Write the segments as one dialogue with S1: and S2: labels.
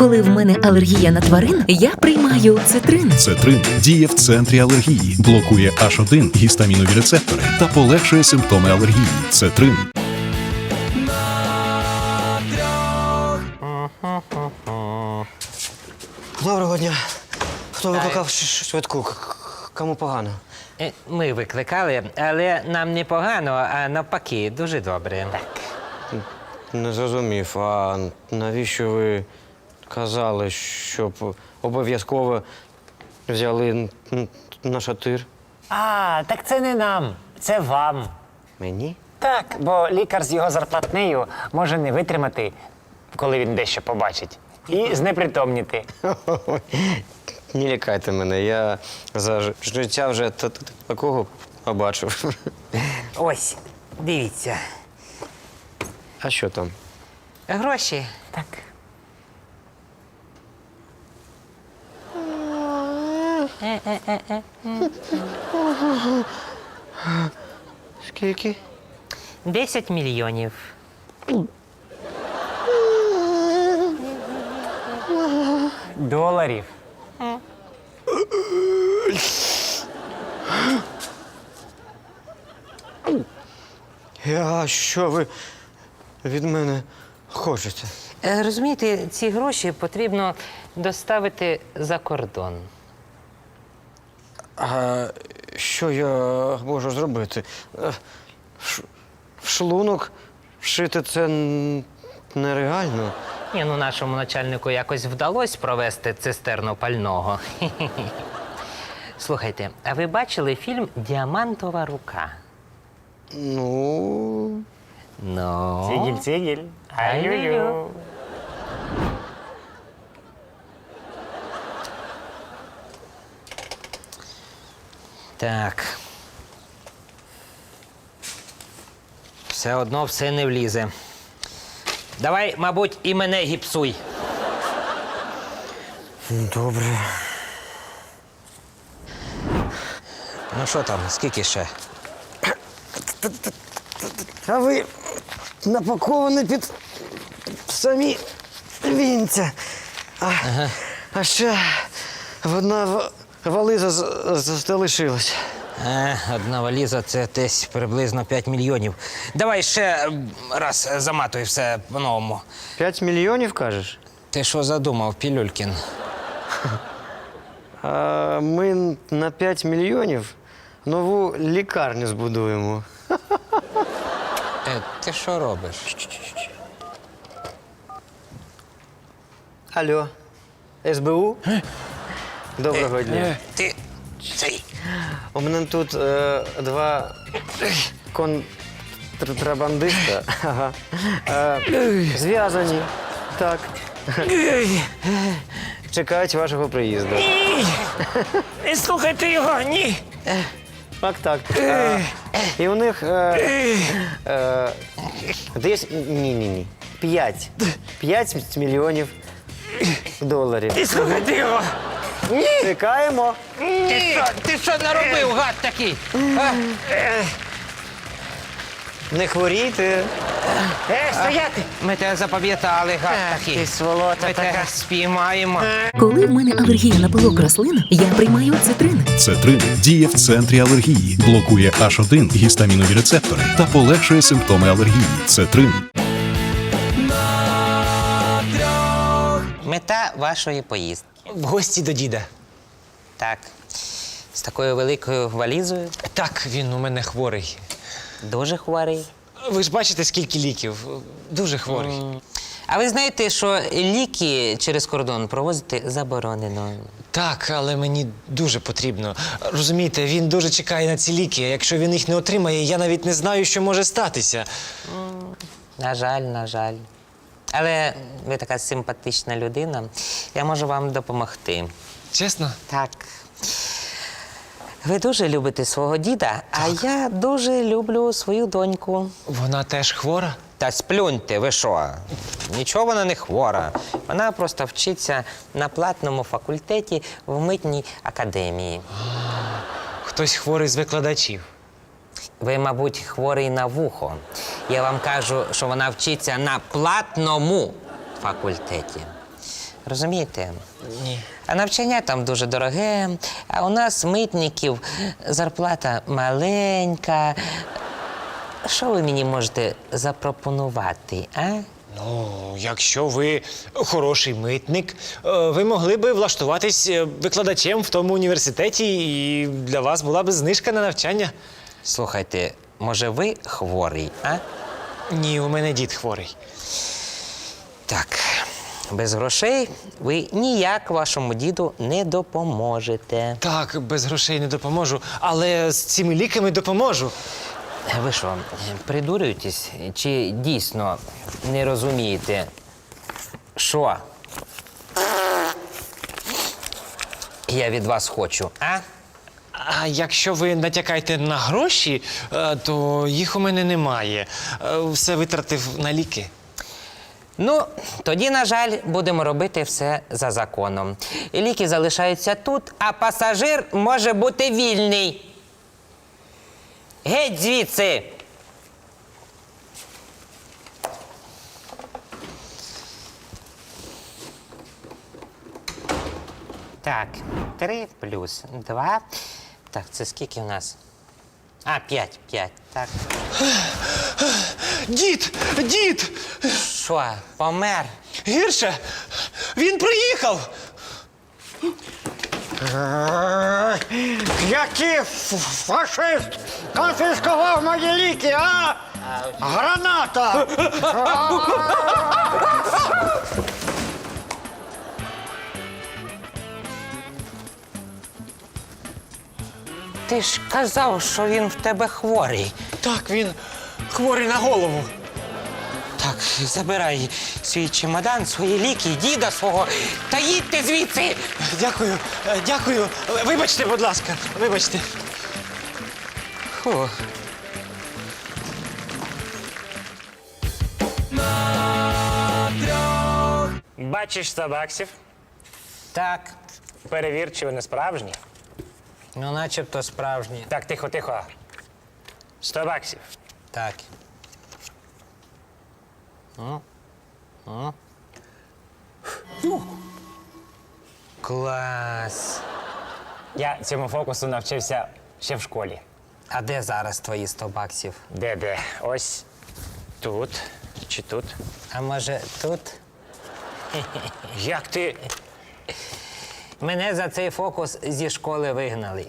S1: Коли в мене алергія на тварин, я приймаю цитрин.
S2: Цетрин діє в центрі алергії, блокує H1 гістамінові рецептори та полегшує симптоми алергії. Цетрин.
S3: Доброго дня. Хто викликав швидку? Кому погано?
S4: Ми викликали, але нам не погано, а навпаки, дуже добре.
S3: Не зрозумів. А навіщо ви казали, щоб обов'язково взяли на шатир?
S5: Так це не нам, це вам.
S3: Мені?
S5: Так, бо лікар з його зарплатнею може не витримати, коли він дещо побачить, і знепритомніти.
S3: Не лякайте мене, я за життя вже такого побачив.
S4: Ось, дивіться.
S3: А що там?
S4: Гроші.
S5: Так.
S3: Скільки?
S4: 10 мільйонів.
S5: Доларів.
S3: А що ви від мене хочете?
S4: Розумієте, ці гроші потрібно доставити за кордон.
S3: А що я можу зробити? В шлунок вшити це нереально.
S4: Ні, ну нашому начальнику якось вдалося провести цистерну пального. Слухайте, а ви бачили фільм «Діамантова рука»?
S3: Ну,
S4: Ну.
S5: Цигіль-цигіль. Ай-ю-ю.
S4: Так. Все одно все не влізе. Давай, мабуть, і мене гіпсуй.
S3: добре.
S4: Ну що там, скільки ще?
S3: А ви напаковані під самі вінця. А ще одна вализа залишилась.
S4: Одна валіза – це десь приблизно 5 мільйонів. Давай ще раз заматуй все по-новому.
S3: 5 мільйонів, кажеш?
S4: Ти що задумав, Пілюлькін?
S3: А ми на 5 мільйонів нову лікарню збудуємо.
S4: Ти що робиш?
S3: Алло, СБУ? Доброго дня.
S4: Ти цей.
S3: У мене тут два контрабандиста. Ага. Зв'язані. Так. Чекають вашого приїзду.
S5: Не слухайте його, ні.
S3: Так. І у них десь ні. 5 мільйонів доларів.
S5: Не слухайте його.
S3: Чекаємо.
S4: Ти що наробив, гад такий?
S3: Не хворійте.
S5: Стояти.
S4: Ми тебе запам'ятали, гад такий.
S5: Ти сволота
S4: Ми тебе
S5: така.
S4: спіймаємо.
S1: Коли в мене алергія на пилок рослин, я приймаю цитрин.
S2: Цетрин діє в центрі алергії, блокує H1 гістамінові рецептори та полегшує симптоми алергії. Цетрин.
S4: Мета вашої поїздки.
S5: В гості до діда.
S4: Так. З такою великою валізою.
S6: Так, він у мене хворий.
S4: Дуже хворий.
S6: Ви ж бачите, скільки ліків. Дуже хворий.
S4: А ви знаєте, що ліки через кордон провозити заборонено?
S6: Так, але мені дуже потрібно. Розумієте, він дуже чекає на ці ліки. Якщо він їх не отримає, я навіть не знаю, що може статися.
S4: На жаль. Але ви така симпатична людина. Я можу вам допомогти.
S6: Чесно?
S4: Так. Ви дуже любите свого діда, а я дуже люблю свою доньку.
S6: Вона теж хвора?
S4: Та сплюньте, ви що? Нічого вона не хвора. Вона просто вчиться на платному факультеті в митній академії.
S6: Хтось хворий з викладачів.
S4: Ви, мабуть, хворий на вухо. Я вам кажу, що вона вчиться на платному факультеті. Розумієте?
S6: Ні.
S4: А навчання там дуже дороге, а у нас митників зарплата маленька. Що ви мені можете запропонувати, а?
S6: Ну, якщо ви хороший митник, ви могли би влаштуватись викладачем в тому університеті, і для вас була б знижка на навчання.
S4: Слухайте, може ви хворий, а?
S6: Ні, у мене дід хворий.
S4: Так, без грошей ви ніяк вашому діду не допоможете.
S6: Так, без грошей не допоможу, але з цими ліками допоможу.
S4: Ви що, придурюєтесь? Чи дійсно не розумієте, що я від вас хочу, а?
S6: А якщо ви натякаєте на гроші, то їх у мене немає. Все витратив на ліки.
S4: Ну, тоді, на жаль, будемо робити все за законом. Ліки залишаються тут, а пасажир може бути вільний. Геть звідси! Так, 3 плюс 2. Так, це скільки у нас? А, 5, так.
S6: Дід! Дід!
S4: Що, помер?
S6: Гірше! Він приїхав!
S5: Який фашист конфіскував мої ліки, а? Граната!
S4: Ти ж казав, що він в тебе хворий.
S6: Так, він хворий на голову.
S4: Так, забирай свій чемодан, свої ліки, діда свого та їдьте звідси!
S6: Дякую, дякую. Вибачте, будь ласка, вибачте.
S4: Фу.
S5: Бачиш 100 баксів?
S4: Так,
S5: Перевір, чи вони справжні.
S4: ну начебто справжні.
S5: Так, тихо, тихо. 100 баксів.
S4: Так. Клас.
S5: Я цьому фокусу навчився ще в школі.
S4: А де зараз твої 100 баксів?
S5: Де? Ось тут чи тут.
S4: А може тут?
S5: Як ти?
S4: Мене за цей фокус зі школи вигнали.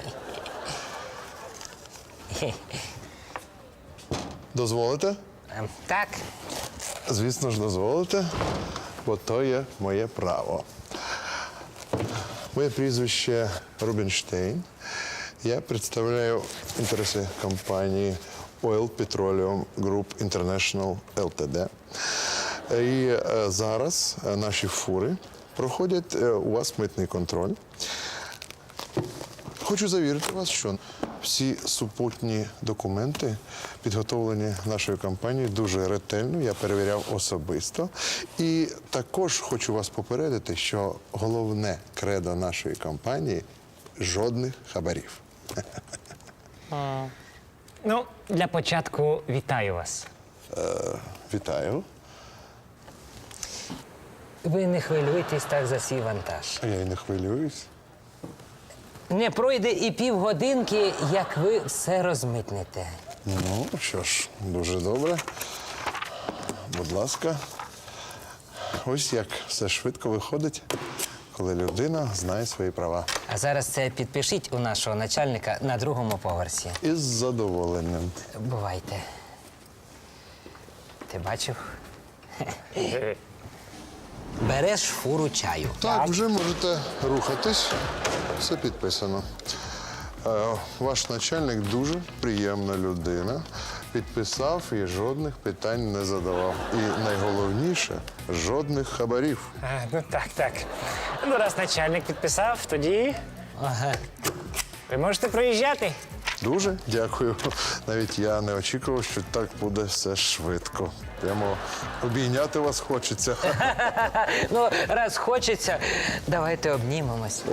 S7: Дозволите?
S4: Так,
S7: Звісно ж, дозволите, бо то є моє право. Моє прізвище Рубінштейн. Я представляю інтереси компанії Oil Petroleum Group International Ltd. І зараз наші фури проходять у вас митний контроль. Хочу завірити вас, що всі супутні документи, підготовлені нашою компанією, дуже ретельно, я перевіряв особисто. І також хочу вас попередити, що головне кредо нашої компанії – жодних хабарів.
S5: Ну, для початку вітаю вас.
S7: Вітаю.
S4: ви не хвилюйтесь так за свій вантаж.
S7: Я й не хвилююсь.
S4: Не пройде і півгодинки, як ви все розмитнете.
S7: Ну, що ж, дуже добре. Будь ласка. Ось як все швидко виходить, коли людина знає свої права.
S4: А зараз це підпишіть у нашого начальника на 2-му поверсі.
S7: Із задоволенням.
S4: Бувайте. Ти бачив? Береш фуру чаю.
S7: Так, вже можете рухатись. Все підписано. Ваш начальник дуже приємна людина. Підписав і жодних питань не задавав. І найголовніше жодних хабарів.
S5: Ну так. Ну, раз начальник підписав, тоді
S4: Ага.
S5: ви можете проїжджати.
S7: Дуже дякую. Навіть я не очікував, що так буде все швидко. Прямо обійняти вас хочеться.
S4: Ну, раз хочеться, давайте обнімемось.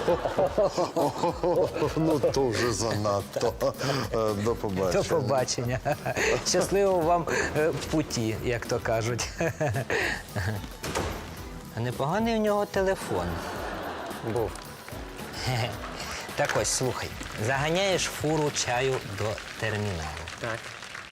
S7: Ну, то вже занадто. До побачення.
S4: До побачення. Щасливо вам в путі, як то кажуть. А непоганий у нього телефон.
S5: Був.
S4: Так ось, слухай, заганяєш фуру чаю до терміналу.
S5: Так.